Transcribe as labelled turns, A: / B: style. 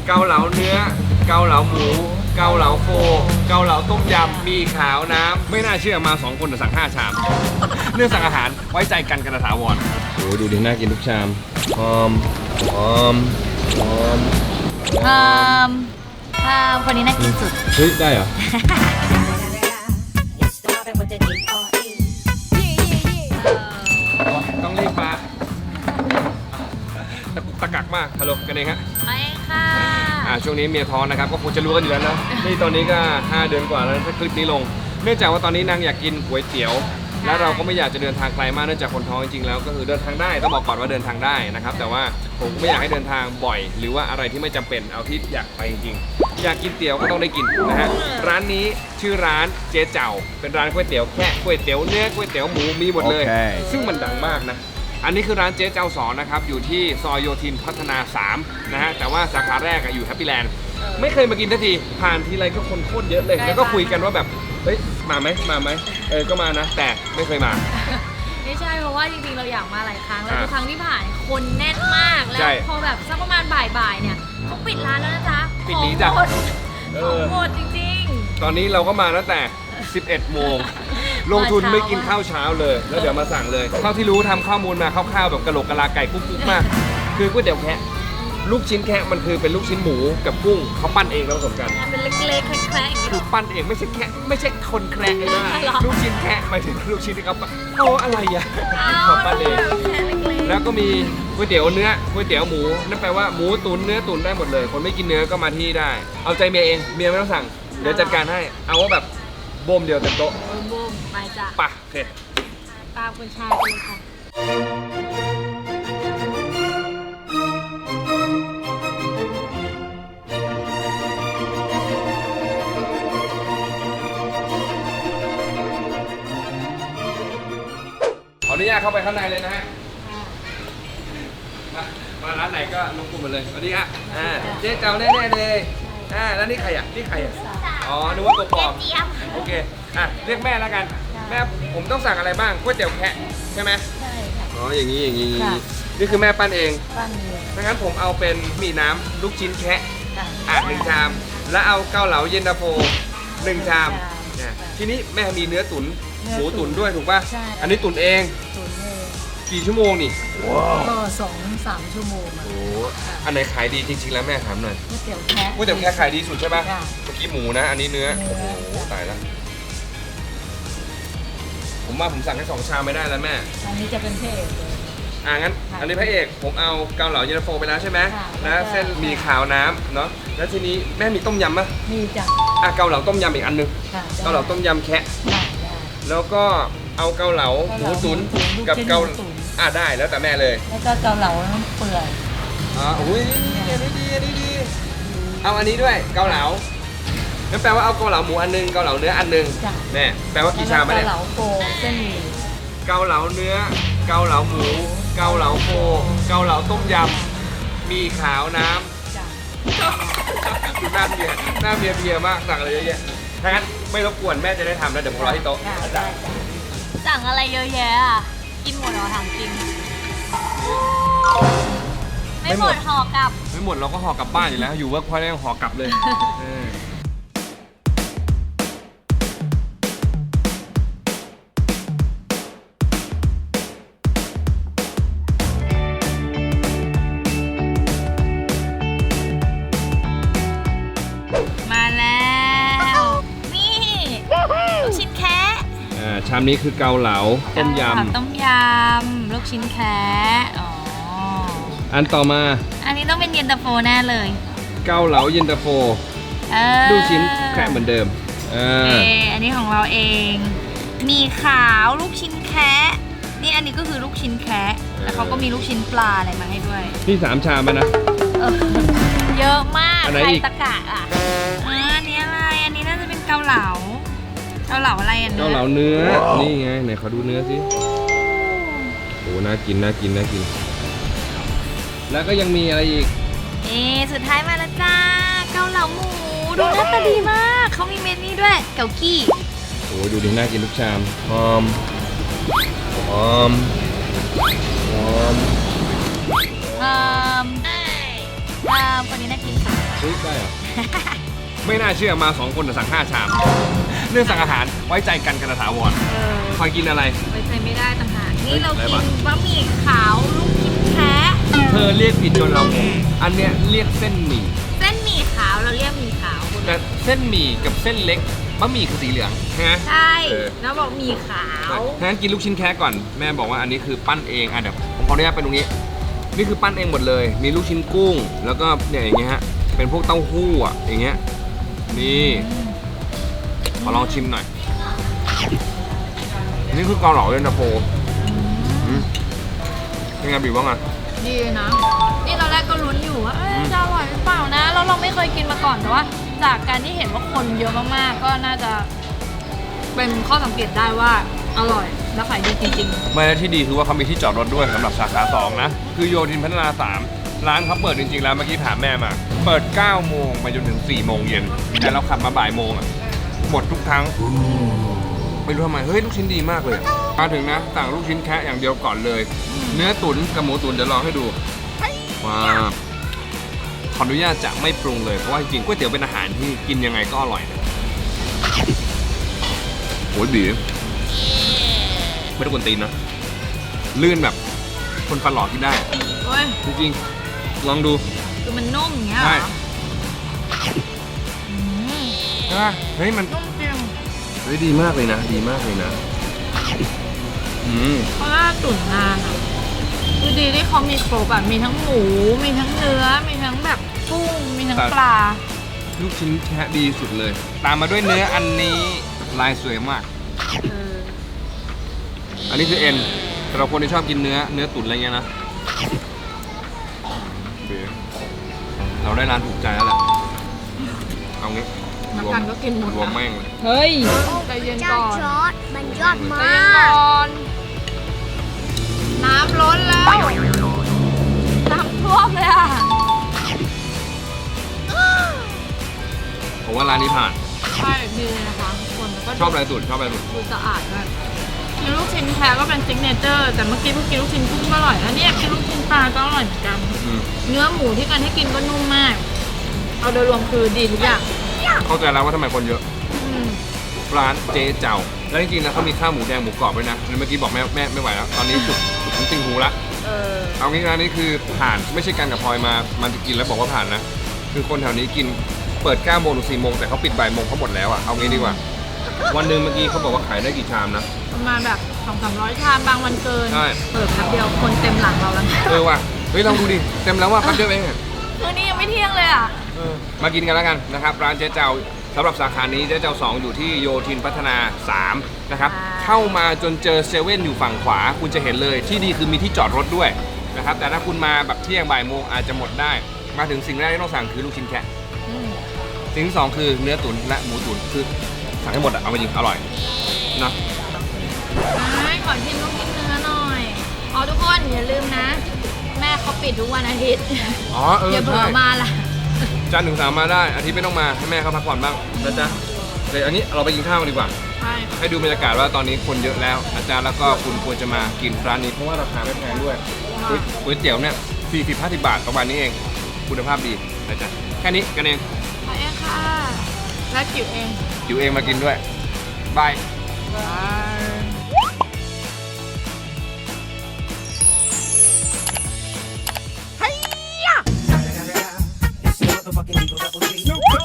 A: เกาเหลาเนื้อเกาเหลาหมูเกาเหลาโฟเกาเหลาต้มยำมีขาวน้ำไม่น่าเชื่อมา2คนแต่สั่ง5 ชามเรื่องสั่งอาหารไว้ใจกันกันถาวรโอ้ดูดิน่ากินทุกชามหอมหอมหอม
B: คนนี้น่ากินสุด
A: เฮ้ยได้เหรอต้องรีบมาตะกักมากฮัลโหลกันเองฮะ
B: ไปค่ะ
A: ช่วงนี้เมียท้องนะครับก็คงจะรู้กันอยู่แล้วนะนี่ตอนนี้ก็5 เดือนกว่าแล้วถ้าคลิปนี้ลงเนื่องจากว่าตอนนี้นางอยากกินก๋วยเตี๋ยวและเราก็ไม่อยากจะเดินทางไกลมากเนื่องจากคนท้องจริงๆแล้วก็คือเดินทางได้ต้องบอกก่อนว่าเดินทางได้นะครับแต่ว่าผมไม่อยากให้เดินทางบ่อยหรือว่าอะไรที่ไม่จำเป็นเอาที่อยากไปจริงๆอยากกินเตี๋ยวก็ต้องได้กินนะฮะร้านนี้ชื่อร้านเจ๊เจ้าเป็นร้านก๋วยเตี๋ยวแค่ก๋วยเตี๋ยวเนื้อก๋วยเตี๋ยวหมูมีหมดเลย ซึ่งมันดังมากนะอันนี้คือร้านเจ๊เจ้าสอนนะครับอยู่ที่ซอยโยธินพัฒนา3นะฮะแต่ว่าสาขาแรกอยู่แฮปปี้แลนด์ไม่เคยมากินทันทีผ่านทีไรก็คนโคตรเยอะเลยแล้วก็คุยกันว่าแบบเฮ้ยมาไหมก็มานะแต่ไม่เคยมา
B: ไม่ใช่เพราะว่าจริงๆเราอยากมาหลายครั้งแล้วทุกครั้งที่ผ่านคนแน่นมากแล้วพอแบบสักประมาณบ่ายๆเนี่ยเขาปิดร้านแล้วนะจ๊ะ
A: ปิดนี้จ้ะ
B: หมดจริง
A: ๆตอนนี้เราก็มาตั้งแต่11 โมงลงทุนไม่กินข้าวเช้าเลยแล้วเดี๋ยวมาสั่งเลยเท่าที่รู้ทำข้อมูลมาคร่าวๆแบบกะโหลกกะลาไก่กุ๊กๆมากคือก๋วยเตี๋ยวแคะลูกชิ้นแคะมันคือเป็นลูกชิ้นหมูกับกุ้งเขาปั้นเองแล้วผสมกัน
B: เป็นเล็กๆแคระๆอย่างนี้
A: คือปั้นเองไม่ใช่แคะไม่ใช่คนแคระเลยนะลูกชิ้นแคะหมายถึงลูกชิ้นที่เขาปั้นอะไรอ่ะเขาปั้นเองแล้วก็มีก๋วยเตี๋ยวเนื้อก๋วยเตี๋ยวหมูนั่นแปลว่าหมูตุ๋นเนื้อตุ๋นได้หมดเลยคนไม่กินเนื้อก็มาที่ได้เอาใจเมียเองเมียไม่ต้องสั่งเดี๋ยวจัดการให้เอาว่าแบบโบมเดียวเต็มโต๊ะ
B: โบมไปจ้ะ
A: ป่ะโอเค
B: ตามคุณชายไปเลยค่ะ
A: ขออนุญาตเข้าไปข้างในเลยนะฮะมาร้านไหนก็ลงกลุ่มมาเลยสวัสดีครับเจ๊เจ้าแน่ๆเลยแล้วนี่ใครอ่ะนี่ใครอ่ะอ๋อนึกว่าตัวปลอมโอเคเรียกแม่แล้วกันแม่ผมต้องสั่งอะไรบ้างก๋วยเตี๋ยวแคะใช่ไหม
B: ใช่ค่ะ
A: อ๋ออย่างนี้นี่คือแม่ปั้นเอง
B: ปั้นเอง
A: ดังนั้นผมเอาเป็นหมี่น้ำลูกชิ้นแคะ1 ชามแล้วเอาเกาเหลาเย็นตาโฟ1 ชามทีนี้แม่มีเนื้อตุ๋นหมูตุ๋นด้วยถูกป่ะอันนี้ตุ๋นเองกี่ชั่วโมงนี่
B: ก็2-3 ชั่วโมง
A: โอ้อันไหนขายดีจริงๆแล้วแม่ถามหน่อย
B: ก๋วยเตี๋ยวแคะ
A: ขายดีสุดใช่ป่ะเมื่อกี้หมูนะอันนี้เนื้อโอ้โหตายแล้วผมว่าผมสั่งแค่2 ชามไม่ได้แล้วแม่
B: อันนี้จะเป็นพระเอกเลย
A: งั้นอันนี้พระเอกผมเอาเกาเหลาเย็นตาโฟไปแล้วใช่ไหมแล้วเส้นมีขาวน้ำเนาะแล้วทีนี้แม่มีต้มยำป่ะ
B: มีจ้ะ
A: เกาเหลาต้มยำอีกอันนึงเกาเหลาต้มยำแคะแล้วก็เอาเกาเหลาหมูตุ๋นกับเกาได้แล้วแต่แม่เลย
B: แล้วก็เกาเหลาน้ำเปื่อย
A: อุ้ยอันนี้ดีเอาอันนี้ด้วยเกาเหลานั่นแปลว่าเอาเกาเหลาหมูอันนึงเกาเหลาเนื้ออันนึงแน่แปลว่ากี่ชามเนี่ย
B: เกาเหลาโฟเส้นหมี่
A: เกาเหลาเนื้อเกาเหลาหมูเกาเหลาโฟเกาเหลาต้มยำมีขาวน้ำดูหน้าเบียร์มากสั่งอะไรเยอะแยะถ้างั้นไม่รบกวนแม่จะได้ทำแล้วเดี๋ยวผมรอที่โต๊ะ
B: สั่งอะไรเยอะแยะกินหมดเหรอถามกินไม่หมดห่อกลับ
A: ไม่หมดเราก็ห่อกลับบ้านอยู่แล้วอยู่เวิร์กพอยต์แล้วยังห่อกลับเลย
B: มาแล้วนี่ลูกชิ้นแคะ
A: ชามนี้คือเกาเหลาต้มย
B: ำลูกชิ้นแคะ
A: อันต่อมา
B: อันนี้ต้องเป็นเย็นตาโฟแน่เลย
A: เกาเหลาเย็นตาโฟลูกชิ้นแคะเหมือนเดิม
B: อันนี้ของเราเองมีขาวลูกชิ้นแคะนี่อันนี้ก็คือลูกชิ้นแคะแล้วเขาก็มีลูกชิ้นปลาอะไรมาให้ด้วย
A: นี่3 ชามนะ
B: เยอะมากใครตะกะอันนี้อะไรอันนี้น่าจะเป็นเกาเหลาอะไรอันนี้
A: เกาเหลาเนื้อนี่ไงไหนขอดูเนื้อสิโอ้น่ากินแล้วก็ยังมีอะไรอีก
B: สุดท้ายมาแล้วจ้าเกาเหลาหมูดูหน้าตาดีมากเขามีเมนูด้วยเกากี้
A: โอ้ดูดิน่ากินทุกชามหอม
B: คนนี้น่ากินสุด
A: ฮ้ยได้เหรอ ไม่น่าเชื่อมา2คนแต่สั่ง5 ชาม เรื่องสั่งอาหารไว้ใจกันถาวรคอยกินอะไร
B: ไว้ใจไม่ได้ต่างหากนี่เรา
A: อะไร
B: กิน
A: วะ
B: บะหมี่ขาวลูกชิ้นแคะ
A: เธอเรียกผิดจนเรางงอันเนี้ยเรียกเส้นหมี่
B: เส้นหมี่ขาวเราเรียกหมี่ขาวคุณ
A: แต่เส้นหมี่กับเส้นเล็กบะหมี่คือสีเหลืองใช่ไหม
B: ใช่
A: เออ
B: แล้วบอกหมี่ขาว
A: งั้นกินลูกชิ้นแค่ก่อนแม่บอกว่าอันนี้คือปั้นเองอ่ะเดี๋ยวผมขออนุญาตไปตรงนี้นี่คือปั้นเองหมดเลย มีลูกชิ้นกุ้ง แล้วก็เนี่ยอย่างเงี้ยฮะเป็นพวกเต้าหู้อ่ะอย่างเงี้ยนี่ขอลองชิมหน่อยนี่คือเกาเหลาเย็นตาโฟเป็นไงบีบว่าไง
B: ดีนะ นี่ตอนแรกก็ลุ้นอยู่ว่าจะอร่อยหรือเปล่านะแล้วเราไม่เคยกินมาก่อนแต่ว่า จากการที่เห็นว่าคนเยอะมากๆก็น่าจะเป็นข้อสังเกตได้ว่าอร่อยและขายดีจริง
A: ไม่และที่ดีคือว่าเขามีที่จอดรถด้วยสำหรับสาขา2นะคือโยธินพัฒนา 3ร้านเขาเปิดจริงๆแล้วเมื่อกี้ถามแม่มาเปิด9 โมงไปจนถึง4 โมงเย็นแต่เราขับมาบ่ายโมงอ่ะหมดทุกครั้งไม่รู้ทำไมเฮ้ยลูกชิ้นดีมากเลยมาถึงนะสั่งลูกชิ้นแค่อย่างเดียวก่อนเลย เนื้อตุ๋นกับหมูตุ๋นเดี๋ยวลองให้ดูว้าวขออนุญาตจะไม่ปรุงเลยเพราะว่าจริงๆก๋วยเตี๋ยวเป็นอาหารที่กินยังไงก็อร่อยนะโอ้ยบีไม่ต้องกวนตีนนะลื่นแบบคนฟันหล่อกินได้
B: ๆเฮ้ย
A: จริงๆลองดู
B: คือมันนุ่มอย่างเงี้ยเหร
A: ใช่
B: ออืม
A: ใช่ปะเฮ้ยมัน
B: นุ่มจริง
A: เฮ้ยดีมากเลยนะดีมากเลยนะ
B: เพราะว่าตุ๋นนานอ่ะคือดีที่เขามีครบแบบมีทั้งหมูมีทั้งเนื้อมีทั้งแบบกุ้งมีทั้งปลา
A: ลูกชิ้นแค่ดีสุดเลย ตามมาด้วยเนื้ออันนี้ลายสวยมาก อันนี้คือเอ็นสำหรับคนที่ชอบกินเนื้อตุ๋นอะไรเงี้ยนะโอเคเราได้ร้านถูกใจแล้วแหละเอางี้
B: นักการก็กินหมด
A: รวม
B: นะ
A: แม่งเลย
B: เฮ้ยใจเย็นก่อน
C: จอดมันยอด
B: ใจ
C: มา
B: เย็น
C: ก
B: ก่อนน้ำล้นแล้วน้ำท่วมเลยอ่ะ
A: ผมว่าร้านนี้ผ่าน
B: ใช่ดีนะคะคนก็
A: ชอบอะไรตุ๋นชอบอะไรตุ๋น
B: ดูสะอาดด้วยกินลูกชิ้นแท้ก็เป็นซิกเนเจอร์แต่เมื่อกี้เพิ่งกินลูกชิ้นกุ้งก็อร่อยแล้วเนี่ยกินลูกชิ้นปลาก็อร่อยเหมือนกัน
A: อืม
B: เนื้อหมูที่กันให้กินก็นุ่มมาก เอาโดยรวมคือดีทุกอย่าง
A: เข้าใจแล้วว่าทำไมคนเยอะ
B: อืม
A: ร้านเจ๊เจ้า แล้วจริงๆนะเขามีข้าวหมูแดงหมูกรอบด้วยนะเมื่อกี้บอกแม่ไม่ไหวแล้ว ตอนนี้จุดถึงติ่งหูละ เอางี้ร้านนี้คือผ่านไม่ใช่กันกับพลอยมามันจะกินแล้วบอกว่าผ่านนะ คือคนแถวนี้กินเปิด9 โมงถึง4 โมงแต่เขาปิดบ่ายโมงเขาหมดแล้วอ่ะ เอางี้ดีกว่า วันหนึ่งเมื่อกี้เขาบอกว่าขายได้กี่ชามนะ
B: ประมาณแบบ200-300 ชามบางวันเกิน
A: ใช่
B: เปิดแป๊บเดียวคนเต็มหลังเราแล้ว
A: ว่ะ เฮ้ยลองดูดิ เต็มแล้วว่ะแป๊บเดียวเองอะ
B: คืนนี้ยังไม่เที่ยงเลยอ่ะ
A: มากินกันแล้วกันนะครับร้านเจ๊เจ้าสำหรับสาขานี้เจ๊เจ้า 2 อยู่ที่โยธินพัฒนา 3 นะครับ เข้ามาจนเจอเซเว่นอยู่ฝั่งขวา คุณจะเห็นเลยที่ดีคือมีที่จอดรถด้วยนะครับแต่ถ้าคุณมาแบบเที่ยงบ่ายโมงอาจจะหมดได้ มาถึงสิ่งแรกที่ต้องสั่งคือลูกชิ้นแคะสิ่งที่ 2 คือเนื้อตุ๋นและหมูตุ๋นคือสั่งให้หมดอะเอาไปจริงอร่อยนะ
B: ขอชิมลูกชิ้นเนื้อหน่อยอ๋อทุกคนอย่าลืมนะ แม่เขาปิดทุกวันอาทิตย์
A: อ๋อ
B: อย่าเผล
A: ใช่
B: อมาล่ะ
A: จันทร์ถึง3มาได้อาทิตย์ไม่ต้องมาให้แม่เขาพักผ่อนบ้างนะจ๊ะเดี๋ยวอันนี้เราไปกินข้าวกันดีกว่า
B: ใช่
A: ให้ดูบรรยากาศว่าตอนนี้คนเยอะแล้วอาจารย์แล้วก็คุณควรจะมากินร้านนี้เพราะว่าราคาไม่แพงด้วยก๋วยเตี๋ยวเนี่ย40-50 บาทประมาณนี้เองคุณภาพดีนะจ๊ะแค่นี้กันเอง
B: ขอเองค่ะและจิ๋วเอง
A: อยู่เองมากินด้วยบาย
C: It's the motherfucking Eagle Double G.